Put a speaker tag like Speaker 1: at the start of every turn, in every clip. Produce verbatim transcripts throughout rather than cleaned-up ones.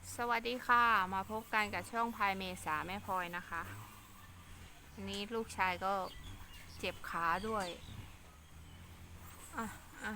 Speaker 1: สวัสดีค่ะมาพบกันกับช่องพายเมษาแม่พลอยนะคะอันนี้ลูกชายก็เจ็บขาด้วยอ่ะอ่ะ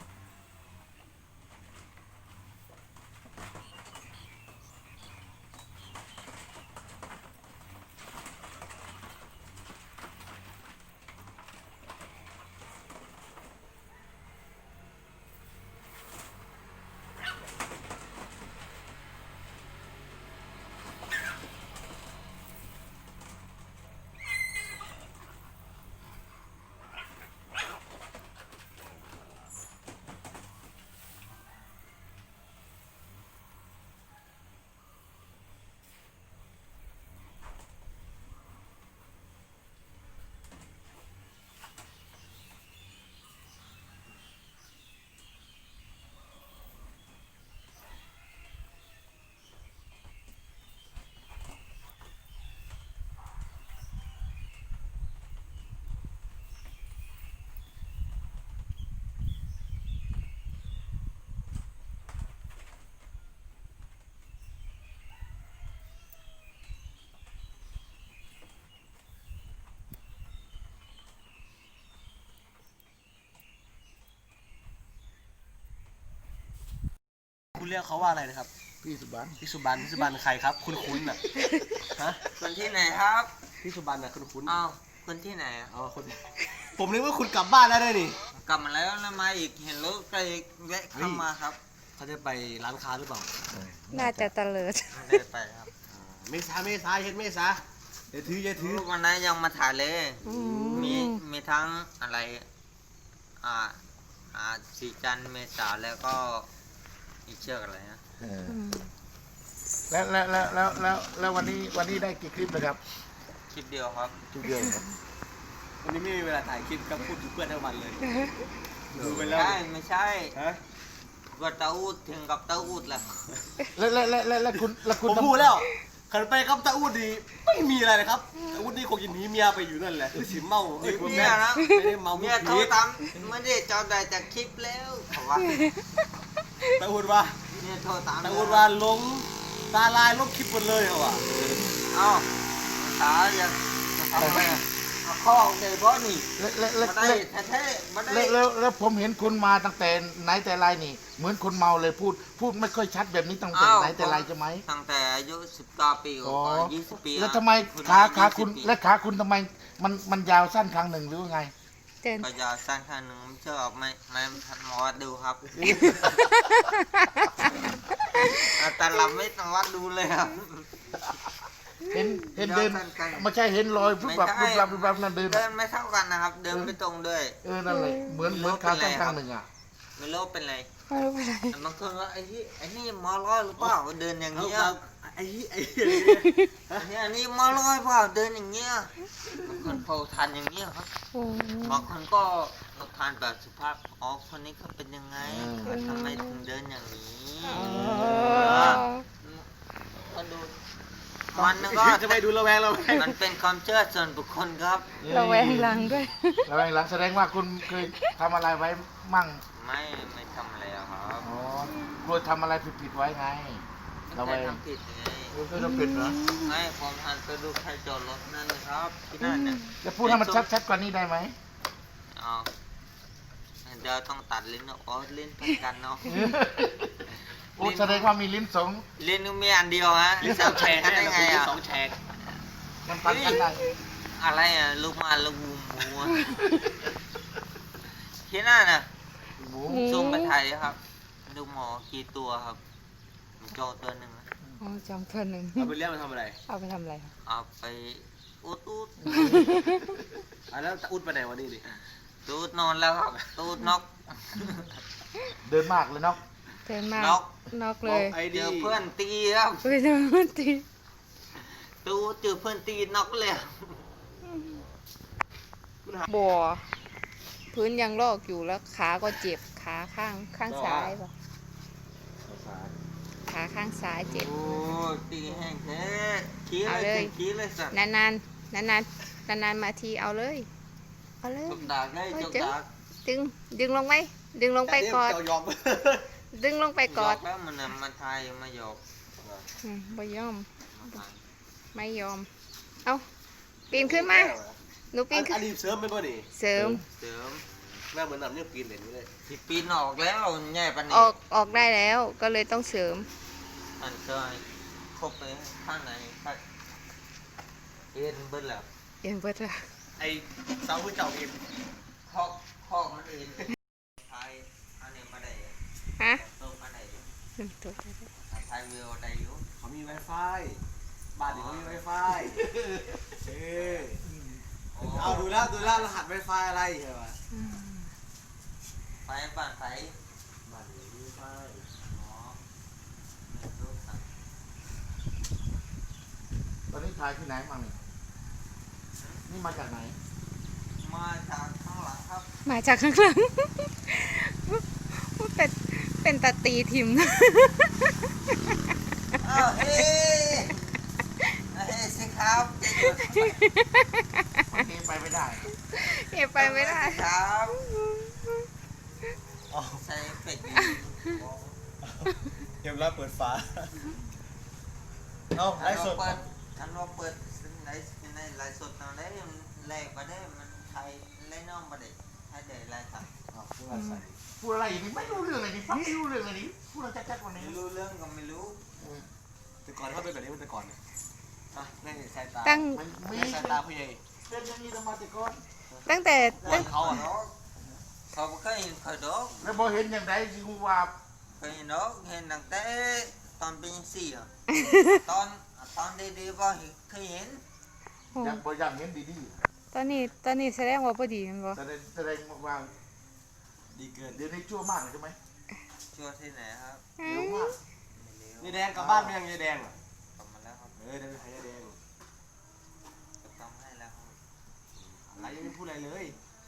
Speaker 2: คุณเรียกเขาว่าอะไรนะครับ
Speaker 3: พี่สุบัน
Speaker 2: พี่สุบันพี่สุบันใครครับคุณคุ้นอ่ะฮะ
Speaker 4: คนที่ไหนครับ
Speaker 2: พี่สุบันอ่ะคุณคุ้น
Speaker 4: อ้าวคนที่ไหนอะ
Speaker 2: อ๋อคนผมนึกว่าคุณกลับบ้านแล้วได้นี่
Speaker 4: กลับมาแล้วนะมาอีกเห็นรถก็เลยแวะเข้ามาครับ
Speaker 2: เขาจะไปร้านค้าหรือเปล่า
Speaker 1: น่าจะเตลิด
Speaker 4: ไม่ได้ไปครับ
Speaker 2: เมษาเมษาเห็นเมษาเดี๋ยวถืออย่าถือ
Speaker 4: วันนั้นยังมาถ่ายเลย
Speaker 1: อื
Speaker 4: มีมีทั้งอะไรอ่าอ่าสีจันทร์เมษาแล้วก็อีกเชือกอะไรนะ
Speaker 1: อืม
Speaker 3: แล้วแล้วแล้วแล้วแล้วแล้ววันนี้วันนี้ได้กี่คลิปนะครับ
Speaker 4: คลิปเดียวครับ
Speaker 3: คลิปเดียวครับ
Speaker 2: วันนี้ไม่มีเวลาถ่ายคลิปก็พูดถึงเพื่อนทั้งวันเลยดูไปแล้ว
Speaker 4: ใช่ไม่ใช่
Speaker 2: ฮะ
Speaker 4: ก็เต้าอูดถึงกับเต้าอูดแหละ
Speaker 3: แล้วแล้วแล้วแล้วแล้วคุณแล้ว
Speaker 2: ผ
Speaker 3: คุณ
Speaker 2: มพูดแล้วขันไปกับตาอูดดีไม่มีอะไรเลยครับตาอูดนี่คงจะหนีเมียไปอยู่นั่นแหละคือสิเมาเอ้ยผม
Speaker 4: เมียนะ
Speaker 2: ไม่ได้เมา
Speaker 4: เมี
Speaker 2: เมี
Speaker 4: ย
Speaker 2: ย
Speaker 4: โทร
Speaker 2: ผี
Speaker 4: ตามไม่ได้จอดได้จากคลิปแล้วเขาว่า
Speaker 2: ตาอูดว่า
Speaker 4: เมียโทรตาม
Speaker 2: ตาอูดว่าลงตาลายลบคลิปหมดเลยเหรอวะ
Speaker 4: เอ้าตาจะจะทำไมอะเอาข้อเดี๋ยวบ่นี่
Speaker 3: แล้วแล้วแล้ว
Speaker 4: มาได้
Speaker 3: แล้ว
Speaker 4: แท้ๆมาได้
Speaker 3: แล้วแล้วแล้วผมเห็นคุณมาตั้งแต่ไหนแต่ไรนี่ เหมือนคนเมาเลยพูด พูดไม่ค่อยชัดแบบนี้ตั้งแต่ไหนแต่ไรใช่ไหม
Speaker 4: ตั้งแต่อายุสิบเก้าปี
Speaker 3: อ๋อ
Speaker 4: ก็ยี่สิบปี
Speaker 3: แล้วทำไม
Speaker 4: คุณ
Speaker 3: ขาขา
Speaker 4: ยี่สิบ
Speaker 3: คุณ
Speaker 4: ปี
Speaker 3: และขาคุณทำไมมันมันยาวสั้นครั้งหนึ่งหรือว่าไง
Speaker 1: เดิน
Speaker 4: ก็จะสั้นแค่หนึ่งไม่เชื่อไม่ไม่ทันหมอวัดดูครับแต่เราไม่ต้องวัดดูเลยครับ
Speaker 3: เห็นเห็นเดิน
Speaker 4: ยาวสั้นไกล
Speaker 3: ไม่ใช่เห็นรอยปุ๊บแบบ
Speaker 4: ไม่
Speaker 3: ปุ๊บ
Speaker 4: ใช่
Speaker 3: แบบปุ๊บแบบนั่นเดิน
Speaker 4: เดินไม่เท่ากันนะครับ เดินไม่ตรงด้วย
Speaker 3: เออนั่นเลยเหมือนเหมือนขาสั้นครั้งหนึ่งอ่ะ
Speaker 4: ไม่รู้เป็นไร
Speaker 1: ไม่รู้เป็นไร
Speaker 4: บางคนว่าไอ้ที่ไอ้นี่หมอร้อยหรือเปล่าเดินอย่าง
Speaker 2: เอา
Speaker 4: เงี้ย
Speaker 2: ครับไอ้ไอ้
Speaker 4: อันนี้อันนี้หมอร้อยเปล่าเดินอย่างเงี้ยบางคนพอทานอย่างเงี้ยครับ
Speaker 1: โอ้
Speaker 4: บางคนก็ทานแบบสุภาพอ๋อคนนี้เขาเป็นยังไง
Speaker 3: อืม
Speaker 4: เขาทำไมถึงเดินอย่างนี้ ก็ดูมันนึกว่า
Speaker 2: จะไปดูระแวงระแวง
Speaker 4: มันเป็นความเชื่อส่วนบุคคลครับ
Speaker 1: ระแวงหลังด้วย
Speaker 3: ระแวงหลังแสดงว่าคุณเคยทำอะไรไว้มั่ง
Speaker 4: ไม่ไม่ทำอะไรหรอกครับ
Speaker 3: อ๋อกลัวทำอะไรผิดๆไว้ไง
Speaker 4: ไม่
Speaker 3: ระ
Speaker 4: เค
Speaker 3: แวย ง
Speaker 4: ทำผิดไง
Speaker 3: เคยทำผิดเหรอ
Speaker 4: ไม่ผมหันไปดูใครจอดรถนั่นนะครับที่นั่นเนี่ย
Speaker 3: จะพูดให้มันชัดๆกว่านี้ได้ไหม
Speaker 4: อ๋อเดี๋ยวต้องตัดลิ้นออกอ๋อลิ้นพันกันเนาะ
Speaker 3: โอ้แสดงว่ามีลิ้นสอง
Speaker 4: ลิ้นมีอันเดียวฮะ
Speaker 2: ลิ้นสองแฉก
Speaker 4: กันได้ไงอ่ะ
Speaker 2: สองแฉก
Speaker 3: มันพันกันได้
Speaker 4: อะไรอ่ะลูกมาลูกหมูหมูอะที่นั่นน่ะ
Speaker 3: หมู
Speaker 4: ซูมไปถ่ายเลยครับ ดูหมอกี่ตัวครับโจตัวหนึ่งนะ
Speaker 1: อ๋อจำตัวหนึ่ง
Speaker 2: เอาไปเลี้ยงมันทำอะไร
Speaker 1: เอาไปทำอะไร
Speaker 4: เอาไปอุดอุด
Speaker 2: อ่ะแล้วตาอุดไปไหนวันนี้ดิ
Speaker 4: ตูดนอนแล้วครับตูดนก
Speaker 3: เดินมากเลยเนาะ
Speaker 1: เดินมาก
Speaker 4: นก
Speaker 1: นอกเลย
Speaker 2: ไอ้
Speaker 4: เจ
Speaker 2: ดี
Speaker 4: อเพื่อนตีครับ
Speaker 1: ไปเดินตี
Speaker 4: ตูดเจอเพื่อนตีนกเลย
Speaker 1: บ่อพื้นยังลอกอยู่แล้วขาก็เจ็บขาข้างข้างซ้ายป่ะขาข้างซ้ายเจ็บ
Speaker 4: โอ้ตีแห้งแท้ขี้
Speaker 1: เอา
Speaker 4: เล
Speaker 1: เลย ย
Speaker 4: ขี้เลยสัตว์
Speaker 1: นานนานนานนานนานนานๆมาทีเอาเลย เอาเลย
Speaker 4: จกดากได้จกดาก
Speaker 1: ดึงดึงลงไปดึงลงไปกอด
Speaker 2: เจ้ายอม
Speaker 1: ดึงลงไปกอด
Speaker 4: หยแล้วมันน่ะมันทายมาหยอก
Speaker 2: อ๋อ
Speaker 1: อืมบ่ยอม
Speaker 4: มาทาง
Speaker 1: ไม่ยอม เอาปีนขึ้นมา หนูปี
Speaker 2: อั
Speaker 1: น
Speaker 2: น
Speaker 1: ขึ้
Speaker 2: อั
Speaker 1: น
Speaker 2: นนี้เสริมเป็นป่ะนี่
Speaker 1: เสริม
Speaker 4: เสริม
Speaker 2: แม่เหมือนนำเนี่ยปีนเหรียญนี่เลย
Speaker 4: ที่ปีนออกแล้วใหญ่ปาน
Speaker 1: อ
Speaker 4: นี้
Speaker 1: อกออกได้แล้ว ก็เลยต้องเสริม
Speaker 4: อันก็ครบไปข้างในข้างเอ็นเบิ้ลแล้ว
Speaker 1: เอ็นเบิดละ
Speaker 2: ไอ้เสาคือเจ้าเอง
Speaker 4: คอกคอกมันเอ็นไทยอันนี้มาได้
Speaker 1: ฮะ
Speaker 4: ต้มมาได้
Speaker 1: ตัว
Speaker 4: ไทยวิวได้อยู่
Speaker 2: เขามี Wi-Fi บ้านนี้เขามี Wi-Fi เออ
Speaker 4: โอ้
Speaker 2: เอาดูแล้วดูแล้วรหัส Wi-Fi อะไรเหรอวะ
Speaker 1: อืม
Speaker 4: ไฟบ้านไฟ
Speaker 2: บ้านนี้มี Wi-Fi
Speaker 4: อ๋อไม่รู้สั่ง
Speaker 3: ตอนนี้ถ่ายที่ไหนมาเนี่ยนี่มาจากไหน
Speaker 4: มาจากข้างหลังครับ
Speaker 1: มาจากข้างหลัง เป็นเป็นตาตีทิม
Speaker 4: อ้าวเฮ้เฮ้สิครับจะหยุด
Speaker 3: วันนี้ไปไม่ได้
Speaker 1: เก็บไปไม่ได้
Speaker 4: ครับ
Speaker 2: อ๋อ
Speaker 4: ใส่เป็ดดี
Speaker 2: เกมรับเปิดฝาเอาไล
Speaker 4: อัน
Speaker 2: ฟ์ส
Speaker 4: เรา
Speaker 2: ด
Speaker 4: เปิดอันเราเปิดในในไลฟ์สดตอนนี้มันแรงมาได้มันไทยไล่น้องมาได้ให้ได้ไลฟ์สั่ง
Speaker 2: เอาเพื่อใส่
Speaker 3: พูดอะไรอย่างนี้ไม่รู้เรื่องเลยนี่ฟังไม่รู้เรื่องเลยนี่พูดอะไรจัดๆวันนี้
Speaker 4: ไม่รู้เรื่องก็ไม่รู้
Speaker 2: แต่ก่อนเขาเป็นแบบนี้มันแต่ก่อนเนี่ยอ่ะนี่สายตา
Speaker 1: ตั้ง
Speaker 3: มันมี
Speaker 2: นี่สายตาผู้ใหญ่
Speaker 3: เป็นอย่างนี้ทำมาแต่ก่อน
Speaker 1: ตั้งแต่
Speaker 2: ก่อ
Speaker 1: ตั้
Speaker 2: น
Speaker 1: ง
Speaker 2: เขาอ่ะ
Speaker 4: ดอกเขาบ่เคยเห็นเขาดอก
Speaker 3: แล้วพอเห็นอย่างไรสิกูว่า
Speaker 4: เคยเห็นดอกเห็นตั้งแต่ตอนเป็นสี่อ่ะตอนตอนดีๆบ่เคยเห็น
Speaker 1: โอ้
Speaker 3: อยากบอกอย่างเห็นดี
Speaker 1: ตอนนี้ตอนนี้แสดงว่าพอดีแมันบ่
Speaker 3: ๆแสดงแสดงว่า
Speaker 2: ดีเกิน
Speaker 3: เดี๋ยวนี้ชั่วมากเลยใช่ไหม
Speaker 4: ชัวร์ที่ไหนครับ
Speaker 1: อื
Speaker 3: เร็ว
Speaker 1: ม
Speaker 3: มาก
Speaker 4: ไม่เร็ว
Speaker 2: นี่แดงกลับบ้านไปยังยายแดงอ่ะ
Speaker 4: กลับมาแล้วครับ
Speaker 2: เออเดี๋ยวไปหายายแดง
Speaker 4: จะต้องให้แล้วครับ
Speaker 2: อะไรยังไม่พูดอะไรเลย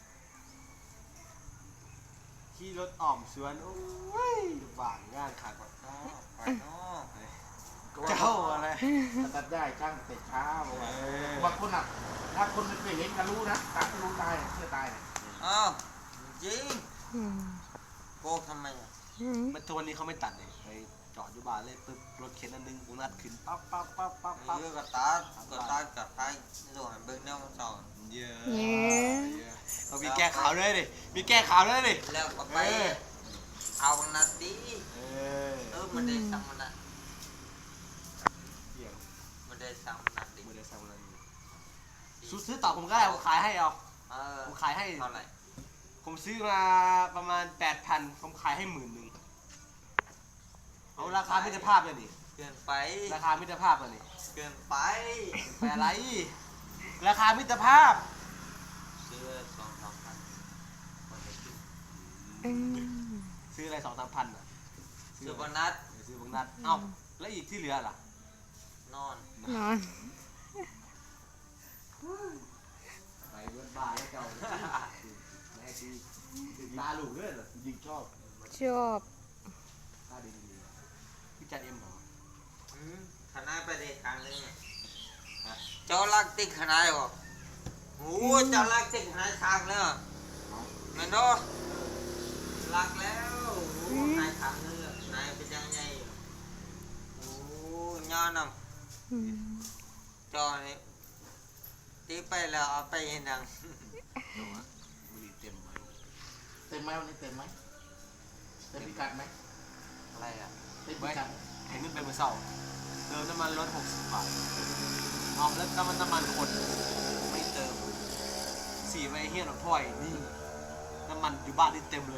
Speaker 2: ขี่รถอ่อมสวนโอ้ยหวานงานขาดกว่า
Speaker 4: เนาะไปเนาะ
Speaker 3: ก็ว่า
Speaker 2: เจ้าอะไร
Speaker 3: ตัดได้ช่างแต่เช้าบอกว่า
Speaker 2: เออ
Speaker 3: บางคนอ่ะถ้าคนไม่เคยเห็นก็รู้นะถ้ารู้ตายเชื่อตาย
Speaker 4: อ้าวจริง
Speaker 1: อืม
Speaker 4: โกกทำไมอ่ะ
Speaker 1: อืม
Speaker 2: มันตัวนี้เขาไม่ตัดเลยไปจอดอยู่บ้านเลยปึ๊บรถเข็นอันหนึงกูนัดขึ้นปั๊บปั๊บปั๊บปั๊บปั๊บ
Speaker 4: เยอะกับตากับตากับตาโดนเบิกแนวสอน
Speaker 2: เยอะ
Speaker 1: เย้
Speaker 2: เยอะเรามีแก้ข่าวด้วยดิมีแก้ข่าวด้วยดิ
Speaker 4: แล้วก็ไป
Speaker 2: เออ
Speaker 4: เอานาที
Speaker 2: เออ
Speaker 4: เออมันได้สั่งมันอ่ะ
Speaker 2: เกี่ยว
Speaker 4: มันได้สั่งมันอ่ะดิ
Speaker 2: ไม่ได้สั่งอะไรซื้อซื้อต่อผมก็ได้ผมขายให้เอา
Speaker 4: เออ
Speaker 2: ผมขายให้
Speaker 4: เท่าไหร่
Speaker 2: ผมซื้อมาประมาณแปดพันผมขายให้หมื่นหนึ่งเอาราคามิตรภาพเลยนี่
Speaker 4: เกินไป
Speaker 2: ราคามิตรภาพเลยนี่
Speaker 4: เกินไป
Speaker 2: ไปอะไร ราคามิตรภาพ
Speaker 4: ซื้อสองสามพันคนละครึ่ง
Speaker 1: อืม
Speaker 2: ซื้ออะไรสองสามพันอ่ะ
Speaker 4: ซื้อโบนัส
Speaker 2: เออซื้อบางนัดเอ้าแล้วอีกที่เหลือล่ะ
Speaker 4: นอน
Speaker 1: นอน
Speaker 2: ไปเบิดบ้าแล้วเจ้าแม่ดีตาหลูด้วยเหรอ
Speaker 3: ยิงชอบ
Speaker 1: ชอบ
Speaker 2: ตาดีดีพี่จัดเอ็มเหรอ
Speaker 4: อืมขนาดไปเด็กครั้งนึงอะเจ้ารักติ๊กขนาดบ่โอ้เจ้ารักติ๊กขนาดทางเลยอะแม่นบ่รักแล้วโอ้นายทางนึงอะนายเป็นยังไงอะโอ้ย้อนนำ
Speaker 1: อืม
Speaker 4: จอนี่ตีไปแล้วเอาไปเห็นดัง
Speaker 2: บุหรี่เต็มไหม
Speaker 3: เต็มไหมวันนี้เต็มไหมเต็มพิกัดไหม
Speaker 4: อะไรอ่ะ
Speaker 3: เต็มพิกัด
Speaker 2: เห็นมันเป็นมือเศร้าเติมน้ำมันรถหกสิบบาทเอาแล้วน้ำมันน้ำมันคนไม่เติมสีไปเฮี้ยนหรอกพ่อยนี่น้ำมันอยู่บ้านนี่เต็มเลย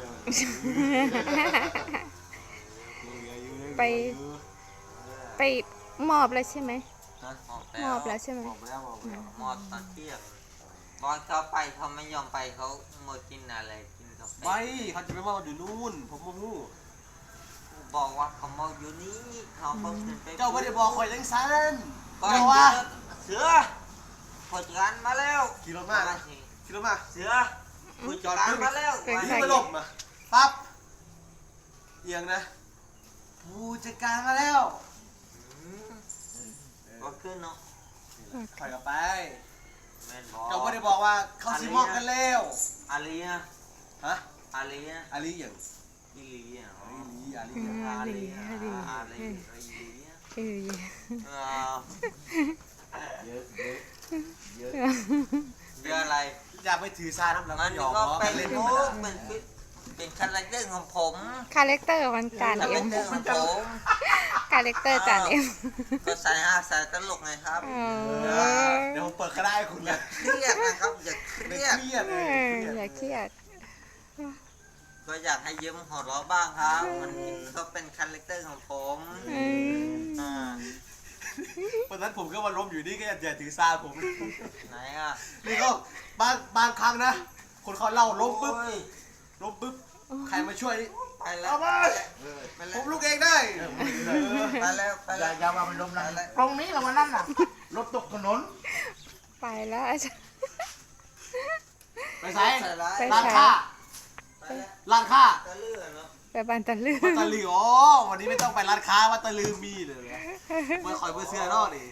Speaker 1: ไป ไปมอบแล้วใช่ไหม
Speaker 2: ฮะ
Speaker 4: มอบ
Speaker 1: มอบแล้วใช่ไหม
Speaker 2: บอกไปแล้วบอกไปแล้ว
Speaker 4: มอบตอนเที่ยงตอนเขาไปเขาไม่ยอมไปเขาหมดกินอะไรกินกาแฟ
Speaker 2: ไม่เขาจะไปมอบอยู่นู่นผมโมโห
Speaker 4: บอกว่าเขาเมาอยู่นี่เขาเพิ่งขึ้นไป
Speaker 2: เจ้าไม่ได้บอกคอยจังสัน
Speaker 4: ก็
Speaker 2: เจ้าว่า
Speaker 4: เสือผู้จัดการมาแล้ว
Speaker 2: ขี่รถมาขี่รถมา
Speaker 4: เสือผู้จัดการมาแล้ว
Speaker 2: นี่มาหลบมาปั๊บเอียงนะผู้จัดการมาแล้ว
Speaker 4: อืมก็ขึ้นเนาะ
Speaker 2: ถอยกลับไป
Speaker 4: แม่นบอก
Speaker 2: เจ้าไม่ได้บอกว่าเขาสิมอบกันแล้ว
Speaker 4: อาลีนะ
Speaker 2: ฮะ
Speaker 4: อาลีนะ
Speaker 2: อาลีอย่าง
Speaker 4: อีลีอ่ะ
Speaker 2: อาลีอาลี
Speaker 1: อืม
Speaker 2: อย่าง
Speaker 1: อาลีอาลี
Speaker 4: อาลีอาลี
Speaker 2: อ
Speaker 1: เออ
Speaker 4: อ้าว
Speaker 3: เยอะเยอะเยอะ
Speaker 4: เยอะอะไร
Speaker 2: อยากไปถือซาน้ำแล้ว
Speaker 4: มั
Speaker 2: ก็
Speaker 4: น
Speaker 2: หยอก
Speaker 4: ก็
Speaker 2: ล้อ
Speaker 4: เป็
Speaker 2: กัน นเล่น
Speaker 4: มุ
Speaker 2: ธรรม
Speaker 4: ก
Speaker 2: ดา
Speaker 4: เป็นฟิเป็นคาแรคเตอร์ของผม
Speaker 1: คาแรคเตอร์มันจาน
Speaker 4: คา
Speaker 1: เอ็
Speaker 4: แร
Speaker 1: ม
Speaker 4: คเตอร์ของผม
Speaker 1: คาแรคเตอร์จานเอ็ม
Speaker 4: ก็ใส่ฮาใส่ตลกไงครับ
Speaker 1: เอ
Speaker 2: เอ
Speaker 1: อ
Speaker 2: อเดี๋ยวผมเปิดก็ได้คุณ
Speaker 4: อย่า
Speaker 2: นะ
Speaker 4: เครียดนะครับอย่าเค
Speaker 2: ไม่
Speaker 4: รียด
Speaker 2: เครียด
Speaker 1: เอ
Speaker 2: เลย
Speaker 1: ออย่าเครียด
Speaker 4: ก็อยากให้ยิ้มหัวเราะบ้างครับ มันก็เป็นคาแรคเตอร์ของผม
Speaker 1: เออ
Speaker 4: อ่า
Speaker 2: วันนั้นผมก็มาล้มอยู่นี่ก็อย่าถือซาผม
Speaker 4: ไหนอ่ะ
Speaker 2: นี่ก็บางบางครั้งนะ คนเขาเล่าล้มปุ๊บ
Speaker 4: โอ้ย
Speaker 2: ล้มปุ๊บใครมาช่วยนี่
Speaker 4: ไปแล้ว
Speaker 2: เอามา
Speaker 4: ไปแล้
Speaker 2: ผ
Speaker 4: ว
Speaker 2: มลุกเองได้
Speaker 4: ไปแล้วไป
Speaker 3: อย่า
Speaker 4: แล้ว
Speaker 3: อย่าว่ามันล้มนะตรงนี้แหละวันนั้นน่ะรถตกถนน
Speaker 1: ไปแล้วอาจารย์
Speaker 2: ไปใส่
Speaker 4: ใส่ร้าย
Speaker 1: ไป
Speaker 2: ร้านค้า
Speaker 4: ไปแล้ว
Speaker 2: ร้านค้า
Speaker 4: ตะลื่นเนาะ
Speaker 1: ไปบันตะลือ
Speaker 2: วัตตะลืออ๋อวันนี้ไม่ต้องไปร้านค้าวัตตะลือมีเลยนะไม่คอยเพื่อเสื้อนอกดิ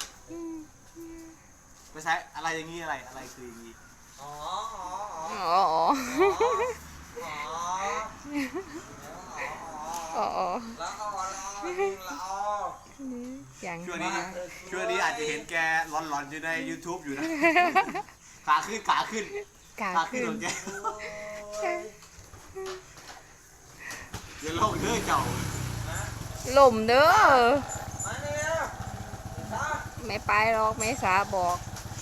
Speaker 2: ไปใช้อะไรอย่างงี้อะไรอะไรคืออย่างงี้
Speaker 4: อ๋ออ๋อ
Speaker 1: อ๋อ
Speaker 4: อ๋ออ๋อ
Speaker 1: อ๋ออ๋อ
Speaker 4: แล้วก็แล้วก็
Speaker 1: อย่าง
Speaker 2: ช่วงนี้ช่วงนี้อาจจะเห็นแกหลอนๆอยู่ใน YouTube อยู่นะขาขึ้นขาขึ้น
Speaker 1: กา
Speaker 2: ขาขึ้
Speaker 1: ขึ้
Speaker 2: น
Speaker 1: น
Speaker 2: ของแกอย่าลงเด้อเจ้า
Speaker 1: หล่มเด้อ
Speaker 4: มาเนี่ยตา
Speaker 1: ไม่ไปหรอกไม่สาบอก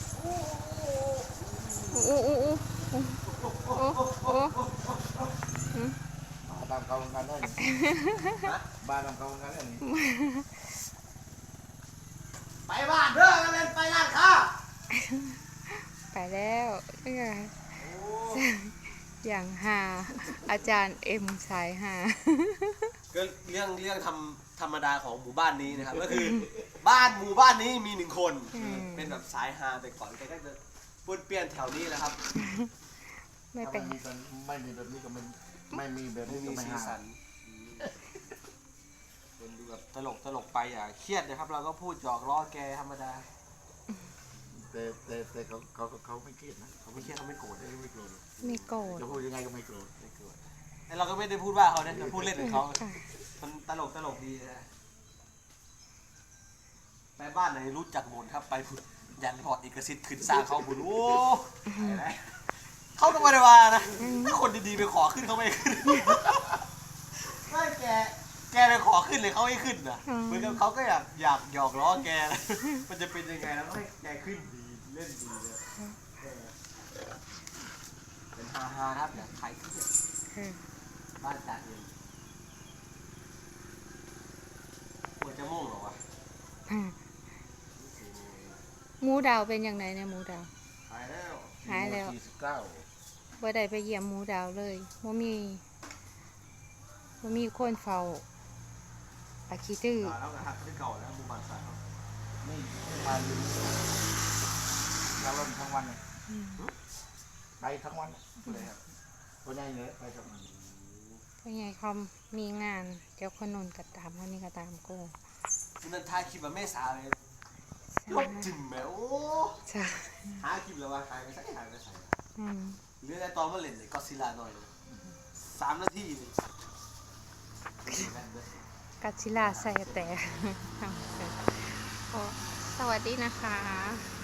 Speaker 1: อู้อู้อู้อู้อู้อู้
Speaker 3: บ้านเขาเหมือนกันเลยบ้านเขาเหมือนกันเลย
Speaker 2: ไปบ้านเด้อกันเลยไปร้านค้า
Speaker 1: ไปแล้วอย่างหาอาจารย์เอ็มสายหา
Speaker 2: ก็เรื่องเรื่องทำธรรมดาของหมู่บ้านนี้นะครับ ก็คือบ้านหมู่บ้านนี้มีหนึ่งคน เป็นแบบสายฮาไปก่อนแกก็จะป้วนเปี้ยนแถวนี้แหละครับ
Speaker 1: ไม่
Speaker 3: ถ้า
Speaker 1: เป็
Speaker 3: ไม่
Speaker 1: น
Speaker 3: มีแบบไม่มีแบบนี้ก็ไม่ไม่มีแบบ
Speaker 2: ไม่
Speaker 3: นี้
Speaker 2: มี
Speaker 3: ก็ไม่
Speaker 2: สี
Speaker 3: หา
Speaker 2: สันคนดูแบบตลกตลกไปอย่าเครียดนะครับ เราก็พูดหยอกล้อแกธรรมดา
Speaker 3: แต่แต่แต่เขาเขาเขาไม่เครียดนะเขา
Speaker 2: ไม่
Speaker 3: ไม่
Speaker 2: เค
Speaker 3: เค
Speaker 2: รี
Speaker 3: รี
Speaker 2: ย
Speaker 3: ย
Speaker 2: ด
Speaker 3: ด
Speaker 2: เขาไม่โกรธ
Speaker 1: ไม่โกรธ
Speaker 3: จะพูดยังไงก็ไม่โกรธ
Speaker 2: ไม่โกรธแต่เราก็ไม่ได้พูดว่าเขานะเราพูดเล่นกับเขา
Speaker 1: ค่ะ
Speaker 2: มันตลกตลกดีนะไปบ้านไหนรู้จักหมดครับไปผุดยันพอร์ตเอกสิทธิ์ขึ้นสร้างเขาผุดโอ้ไปไหนเขาต้องมาได้ว่านะถ้าคนดีๆไปขอขึ้นเขาไม่ขึ้นไม่แกแกไปขอขึ้นเลยเขาไม่ขึ้นนะเหมือนกับเขาก็อยากอยากหยอกล้อแกนะมันจะเป็นยังไงแล้วให้แกขึ้นดีเล่นดีเลยเออเป็นฮาฮาๆนะครับอย่าใครขึ้นเลย
Speaker 1: อืม
Speaker 2: บ้านจ่าเองควรจะม่วงเหรอวะ
Speaker 1: อืมหมูดาวเป็นอย่างไรเนี่ยหมูดาว
Speaker 2: หายแล้ว
Speaker 1: หายแล้ว
Speaker 3: สี่สิบเก้า
Speaker 1: บ่ได้ไปเยี่ยมหมูดาวเลยบ่มีบ่มีคนเฝ้าอาคีตื้อ
Speaker 2: ตายแล้วนะครับที่เก่าแล้วหมู่บ้านสายเขา
Speaker 3: นี่มาอยู่เราลมทั้งวันเลย
Speaker 1: อืม
Speaker 3: ไปทั้งวัน
Speaker 2: เลยครับ
Speaker 3: ตัวใหญ่เลยไปทั้งวัน
Speaker 1: เพราะไงเขามีงานเดี๋ยวคนนู้นก็ตามคนนี้ก็ตามกู
Speaker 2: นั่นทายคลิปแบบแม่สาวเลยลบจิ้มแมวโอ้
Speaker 1: ใช่
Speaker 2: หาคลิปแล้วว่าหายไปสักหายไปสัก
Speaker 1: อืม
Speaker 2: เหลือแต่ตอนมาเล่นเลยก็ซิลาหน่อยเลยสามนาทีนี่
Speaker 1: กัจจิลาใส่แต่ โอ้สวัสดีนะคะ